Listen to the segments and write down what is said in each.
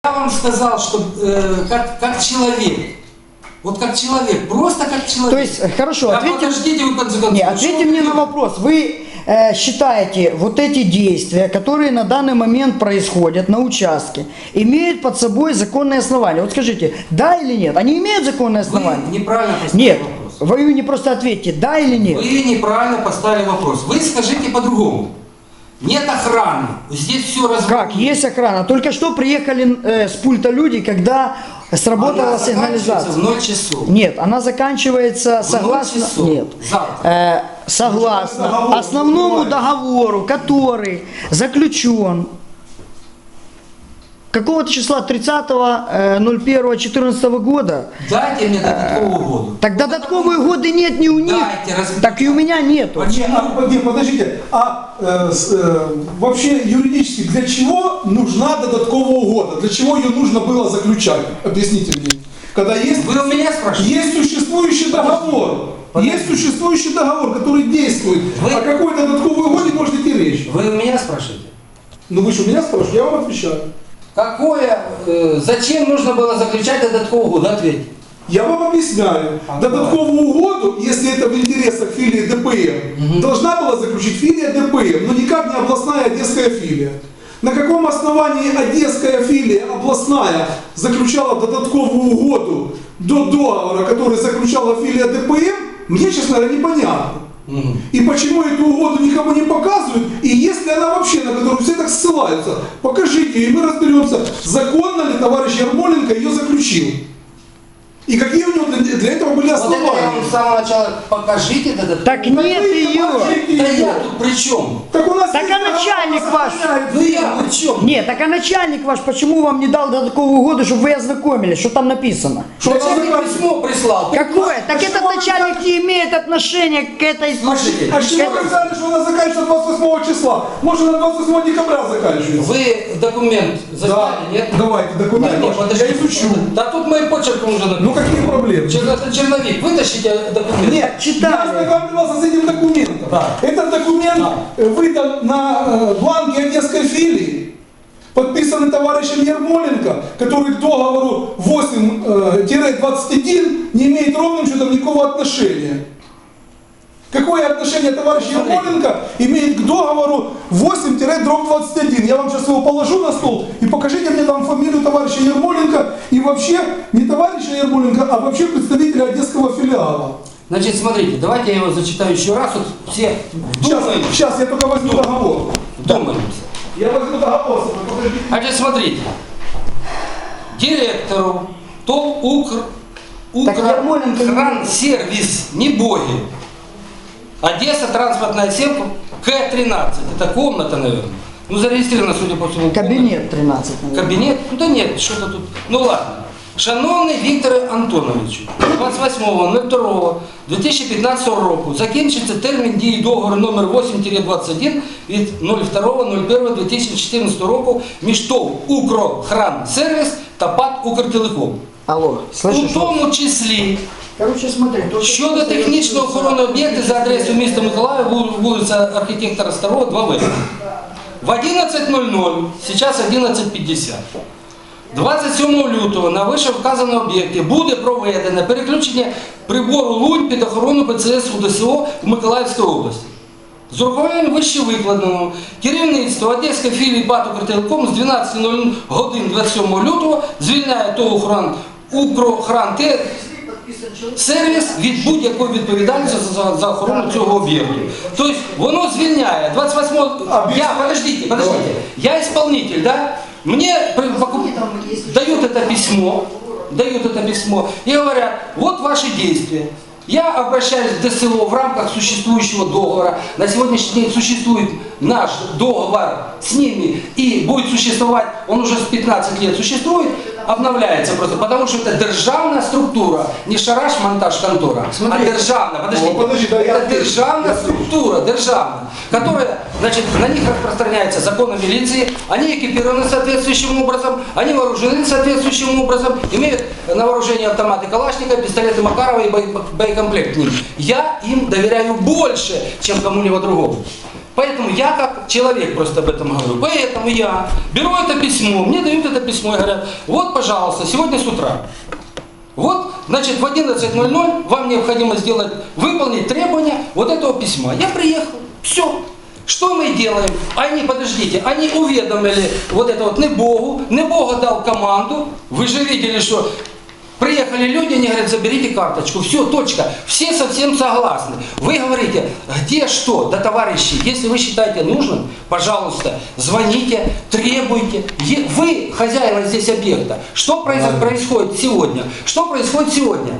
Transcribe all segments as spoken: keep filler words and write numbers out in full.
Я вам сказал, что э, как, как человек, вот как человек, просто как человек. То есть, хорошо, да, ответьте, подождите, вы конце концов. не, ответьте мне на вопрос. Вы э, считаете, вот эти действия, которые на данный момент происходят на участке, имеют под собой законное основание? Вот скажите, да или нет? Они имеют законное основание? Вы неправильно поставили Нет, вопрос. вы не просто ответьте, да или нет? Вы неправильно поставили вопрос. Вы скажите по-другому. Нет охраны. Здесь все разводится. Как? Есть охрана. Только что приехали э, с пульта люди, когда сработала Она сигнализация. в ноль часов. Нет, она заканчивается В согласно, ноль часов. нет, Завтра. э, согласно основному договору, который заключен какого-то числа тридцатого ноль первого четырнадцатого года. Дайте мне додатковую году. Так додатковые годы нет ни у них, Дайте, раз- так и у меня нету. Почему? А, не, подождите, а э, с, э, вообще юридически для чего нужна додаткового года? Для чего ее нужно было заключать? Объясните мне. Когда есть, Вы у меня спрашиваете? есть существующий договор, Подожди. есть существующий договор, который действует. Вы- О какой додатковой годе может идти речь? Вы у меня спрашиваете? Ну вы же у меня спрашиваете, я вам отвечаю. Какое, э, зачем нужно было заключать додатковую году? Ответьте. Я вам объясняю. А, Додатковую угоду, если это в интересах филии ДПМ, должна была заключить филия ДПМ, но никак не областная одесская филия. На каком основании одесская филия областная заключала додатковую угоду до договора, который заключала филия ДПМ, мне, честно говоря, непонятно. Мгм. И почему эту угоду никому не показывают, и если она вообще, на которую все так ссылаются, покажите, и мы разберемся, законно ли товарищ Ярмоленко ее заключил. И какие у него для, для этого были Вот это я основания. вам с самого начала покажите додатковую. Так нет ее. Да я тут при чем? Так у нас Так есть а начальник договор, ваш? сохраняет Вы себя. при чем? Нет, так а начальник ваш почему вам не дал додатковую году, чтобы вы ознакомились, что там написано? Что Начальник она письмо прислал. Какое? Так А этот что вы начальник так- не имеет отношения к этой... Слушайте, А с чего вы взяли, что она заканчивается двадцать восьмого числа? Может, она двадцать восьмого декабря заканчивается? Вы документ засняли, нет? Давайте, Да, документ нет, ваш. подождите. Я изучу. Да тут моим почерком уже написано. Ну какие проблемы? Чер- Черновик, вытащите документ. Нет, читали. я ознакомился с этим документом. Да. Этот документ Да. э, выдан на э, бланке одесской филии, подписанный товарищем Ярмоленко, который к договору восемь двадцать один не имеет ровным счетом никакого отношения. Какое отношение товарищ Смотрите. Ярмоленко имеет к договору восемь двадцать один? Я вам сейчас его положу на стол и покажите мне там фамилию товарища Ярмоленко и вообще не товарища Ярмоленко, а вообще представителя одесского филиала. Значит, смотрите, давайте я его зачитаю еще раз. Вот все Сейчас, думаем, сейчас я только возьму договор. думаемся. Я возьму договор. Подождите. Значит, смотрите. Директору ТОВ Укр Так Ярмоленко не- Укрхрансервис, не боги. Одесса, транспортная сетка, К тринадцать. Это комната, наверное. Ну, зарегистрирована, судя по всему, Кабинет тринадцать, наверное. Кабінет? Ну да нет, що-то тут. Ну ладно. Шановний Вікторе Антоновичу, двадцять восьмого другого дві тисячі п'ятнадцятого року закінчиться термін дії договору номер вісім двадцять один від другого першого дві тисячі чотирнадцятого року між ТОВ «Укрхрансервіс» та ПАТ «Укртелеком». Алло, У слышишь? тому числі Короче, смотри. только- щодо технічної охорони об'єктів за адресою міста Миколаїв, вул- вулиця архітектора Старого, два В. В одинадцять ноль ноль, сейчас одинадцять п'ятдесят, двадцять сьомого лютого на вищевказаному об'єкті буде проведено переключення прибору лунь під охорону ПЦС УДСО в Миколаївській області. З урахуванням вище викладеного керівництво Одеської філії ПАТ «Укртелеком» з дванадцятої години двадцять сьомого лютого звільняє ТОВ «Укрхран» Укрхран сервіс від будь-якої відповідальності за, за охорону цього об'єкту. Тобто воно звільняє двадцять восьмого... Я, подождите, подождите. Я исполнитель, да? Мне при- покуп- дают это письмо, дают это письмо и говорят, вот ваши действия. Я обращаюсь в ДСО в рамках существующего договора. На сегодняшний день существует наш договор с ними и будет существовать, он уже с пятнадцати лет существует, обновляется просто, потому что это державная структура, не шараш-монтаж контора, а державная, подождите, О, подожди, да, я это отвечу. державная структура, державная, которая, значит, на них распространяется закон о милиции, они экипированы соответствующим образом, они вооружены соответствующим образом, имеют на вооружении автоматы Калашникова, пистолеты Макарова и боекомплект к ним. Я им доверяю больше, чем кому-либо другому. Поэтому я как человек просто об этом говорю. Поэтому я беру это письмо, мне дают это письмо и говорят, вот, пожалуйста, сегодня с утра. Вот, значит, в одиннадцать ноль ноль вам необходимо сделать, выполнить требования вот этого письма. Я приехал, все. Что мы делаем? Они, подождите, они уведомили вот это вот Небогу, Небога дал команду, вы же видели, что приехали люди, они говорят, заберите карточку, все, точка, все совсем согласны. Вы говорите, где что? Да, товарищи, если вы считаете нужным, пожалуйста, звоните, требуйте. Е- Вы хозяева здесь объекта. Что произ- происходит сегодня? Что происходит сегодня?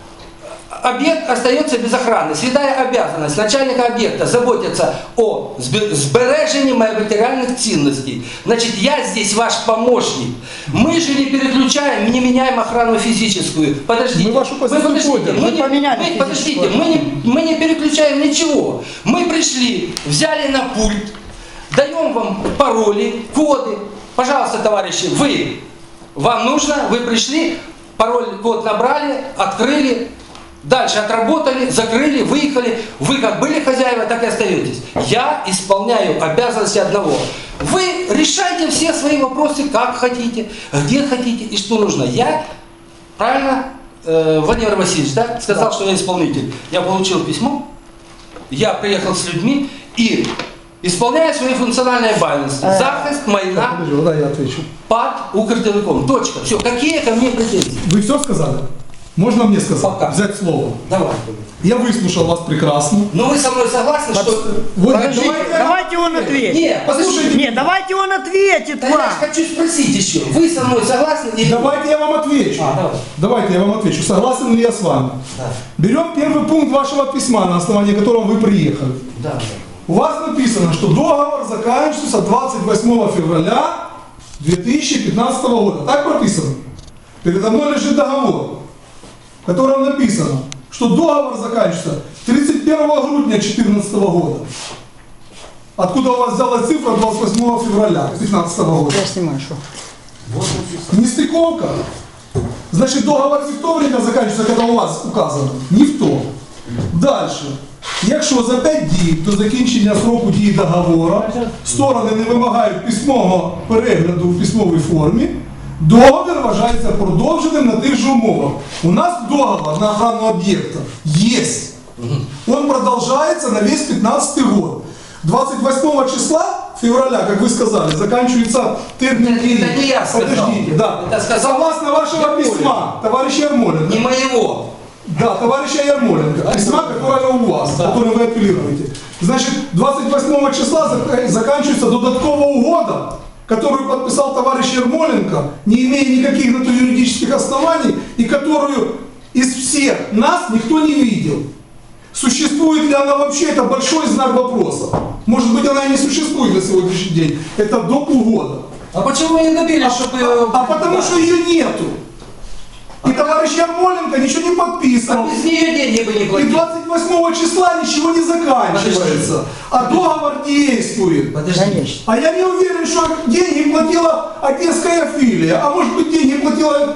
Объект остается без охраны. Святая обязанность начальника объекта заботиться о зб- збережении материальных ценностей. Значит, я здесь ваш помощник. Мы же не переключаем, не меняем охрану физическую. Подождите. Мы вашу позицию подождите. поняли. Мы, Мы не, поменяли мы- подождите, физическую мы не, мы не переключаем ничего. Мы пришли, взяли на пульт, даем вам пароли, коды. Пожалуйста, товарищи, вы, вам нужно, вы пришли, пароль, код набрали, открыли. Дальше отработали, закрыли, выехали. Вы как были хозяева, так и остаетесь. Я исполняю обязанности одного. Вы решайте все свои вопросы, как хотите, где хотите и что нужно. Я, правильно, э, Владимир Васильевич, да, сказал, Да. что я исполнитель. Я получил письмо, я приехал с людьми и исполняю свои функциональные обязанности. Захист, майна, Подожди, да, я отвечу. ПАД, Укртелеком. Точка. Все. Какие ко мне претензии? Вы все сказали? Можно мне сказать? Пока. Взять слово. Давай. Я выслушал вас прекрасно. Но вы со мной согласны, что... Вот, Подождите, давайте- давайте он ответит. Нет, послушайте. Нет, давайте он ответит Да я вам. ж хочу спросить еще. Вы со мной согласны или нет? Давайте я вам отвечу. А, давай. Давайте я вам отвечу. Согласен ли я с вами? Да. Берем первый пункт вашего письма, на основании которого вы приехали. Да, да. У вас написано, что договор заканчивается двадцать восьмого февраля две тысячи пятнадцатого года. Так прописано. Передо мной лежит договор, в котором написано, что договор заканчивается тридцать первого грудня две тысячи четырнадцатого года. Откуда у вас взялась цифра двадцать восьмого февраля две тысячи пятнадцатого года? Я снимаю, что? Нестыковка. Значит, договор не в то время заканчивается, когда у вас указано. Не в то. Дальше. Якщо за п'ять діб до закінчення сроку дії договору сторони не вимагають письмового перегляду в письмовій формі, договір вважається продовженим на тих же умовах. У нас договор на охрану объекта есть. Он продолжается на весь пятнадцатый год. двадцать восьмого числа февраля, как вы сказали, заканчивается термин. Это- это не я сказал. Подождите, да. Это сказал Согласно вашего Ермоленко. письма, товарища Ермоленко. Не моего. Да, товарища Ермоленко, письма, которое у вас, Да. которое вы апеллируете. Значит, двадцать восьмого числа зак- заканчивается додатковая угода, которую подписал товарищ Ермоленко, не имея никаких на то юридических оснований, и которую из всех нас никто не видел. Существует ли она вообще, это большой знак вопроса. Может быть, она и не существует на сегодняшний день. Это до полгода. А почему вы не добились, чтобы... А потому что ее нету. И товарищ Ермоленко ничего не А подписывал. без нее деньги бы не И платили. двадцать восьмого числа ничего не заканчивается, а договор действует. Подожди. Конечно. А я не уверен, что деньги платила одесская филия, а может быть деньги платила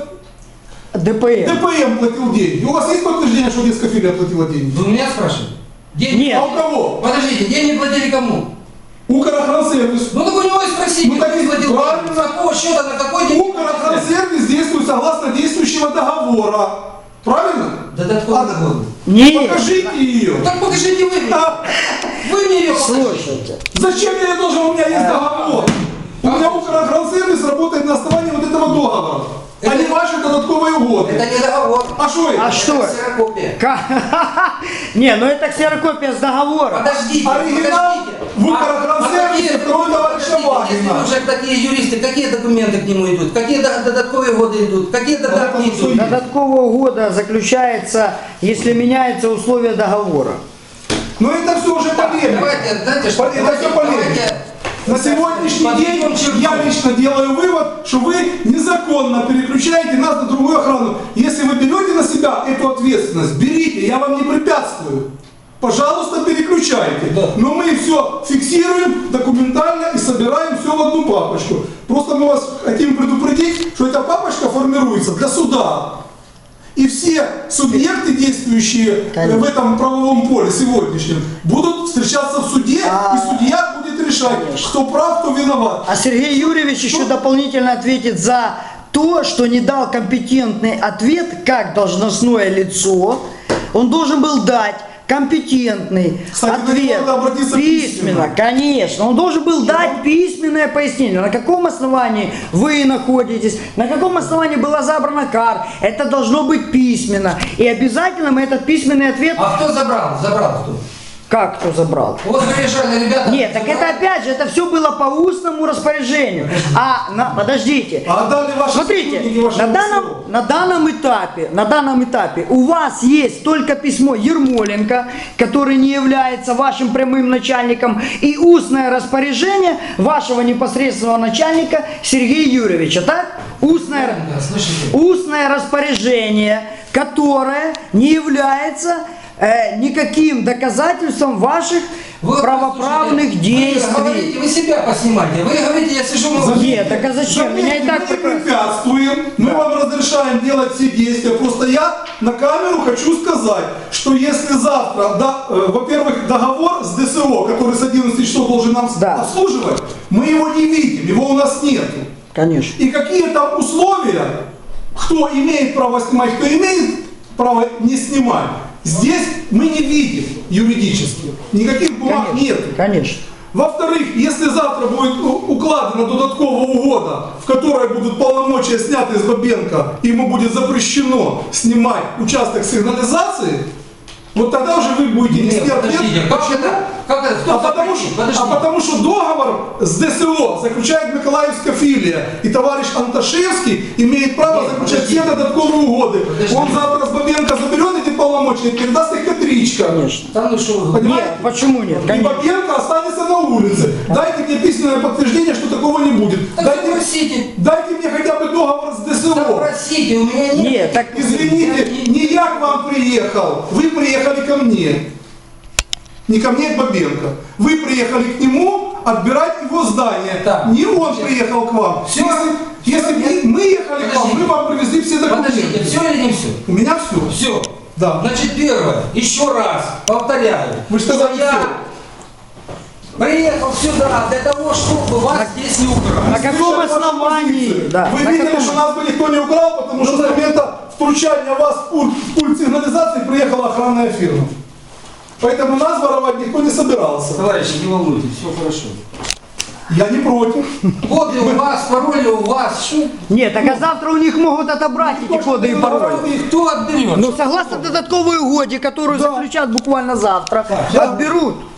ДПМ. ДПМ платил деньги. У вас есть подтверждение, что одесская филия платила деньги? Вы меня спрашиваете? Деньги? Нет. А у кого? Подождите, деньги платили кому? Укрохрансервис. Ну так у него и спросите, Ну, так кто и платил правильно. деньги? С какого счета, на какой день? Укрохрансервис действует согласно действующего договора. Правильно? Додатковый А, договор. Нет. Покажите ее. Так покажите вы мне. А, Вы мне ее покажите. Слушайте. Зачем я ее должен? У меня есть договор. У меня Укрохрансервис работает на основании вот этого договора. А не ваши додатковые угоды. Это не договор. А что это? А что? Это ксерокопия. Ка- Не, ну это ксерокопия с договора. Подождите, Оригинал подождите. в А- Укртрансферте а какие- второй товарища подождите, Вагина. Если вы уже такие юристы, какие документы к нему идут? Какие до- додатковые годы идут? Какие додатки это идут? всё Додаткового года заключается, если меняются условия договора. Но это все уже Так, полемика. давайте, знаете что, Это давайте, все полемика. давайте На сегодняшний день подведем черту. я лично делаю вывод, что вы незаконно переключаете нас на другую охрану. Если вы берете на себя эту ответственность, берите, я вам не препятствую. Пожалуйста, переключайте. Да. Но мы все фиксируем документально и собираем все в одну папочку. Просто мы вас хотим предупредить, что эта папочка формируется для суда. И все субъекты, действующие э, Конечно. в этом правовом поле сегодняшнем, будут встречаться в суде, А, и судья будет решать, конечно. кто прав, кто виноват. А Сергей Юрьевич еще дополнительно ответит за то, что не дал компетентный ответ, как должностное лицо. Он должен был дать компетентный Кстати, на ответ него надо обратиться письменно, письменно. конечно. Он должен был дать письменное пояснение, на каком основании вы находитесь, на каком основании была забрана кар. Это должно быть письменно. И обязательно мы этот письменный ответ... А кто забрал? Забрал кто? Как кто забрал? Вот приезжали ребята. Нет, так это опять же, это все было по устному распоряжению. А, на, подождите. А отдали ваши Смотрите, сотрудники вашего на данном, СРО. на данном этапе, на данном этапе у вас есть только письмо Ермоленко, который не является вашим прямым начальником, и устное распоряжение вашего непосредственного начальника Сергея Юрьевича, так? Устное, Да, слышите? устное распоряжение, которое не является э, никаким доказательством ваших Вы, правоправных слушайте, действий. Вы говорите, вы себя поснимайте. Вы говорите, я сижу на... Нет, так а зачем? Меня и так мы не прекрасно- препятствуем, мы вам разрешаем делать все действия. Просто я на камеру хочу сказать, что если завтра, да, э, во-первых, договор с ДСО, который с одиннадцати часов должен нам Да. обслуживать, мы его не видим, его у нас нету. Конечно. И какие там условия, кто имеет право снимать, кто имеет право не снимать, здесь мы не видим юридически. Никаких бумаг нет. Конечно. Во-вторых, если завтра будет у- укладена додатковая угода, в которой будут полномочия сняты с Бабенко, и ему будет запрещено снимать участок сигнализации, вот тогда уже вы будете Нет, нести ответ. подождите, как Почему? это? Как это? Кто А потому, запретил? что, Подождите. а потому что договор с ДСО заключает Миколаевская филия, и товарищ Анташевский имеет право Нет, заключать подождите. все додатковые угоды. Подождите. Он завтра с Бабенко заберет эти полномочия и передаст их Петричко. Конечно. Там ну что вы Понимаете? Нет, почему нет? И Конечно. Бабенко останется на улице. Дайте мне письменное подтверждение, что такого не будет. Так Дайте, запросите. дайте мне хотя бы договор с ДСО. Запросите, у меня нет. Нет, так Извините, не я к вам приехал, вы приехали ко мне. Не ко мне, а к Бабенко. Вы приехали к нему отбирать его здание. Так. Не он приехал к вам. Всё. Если, если Всё. бы мы ехали к вам, Подождите. мы вам привезли все Подождите, документы. все или не все? У меня все. Все. Да. Значит, первое, еще раз повторяю, Вы что что сказали, я всё? приехал сюда для того, чтобы вас здесь не на украсть. каком Слышали ваши основании? позиции. Да, Вы на видели, каком- что нас бы никто не украл, потому что с момента втручания вас в пульт, в пульт сигнализации приехала охранная фирма. Поэтому нас воровать никто не собирался. Товарищи, не волнуйтесь, все хорошо. Я не против. Коды у вас, пароли у вас. Что? Нет, так а завтра у них могут отобрать эти коды и пароли. И кто отберет? Ну, согласно додатковой угоде, которую Да. заключат буквально завтра, Да. отберут.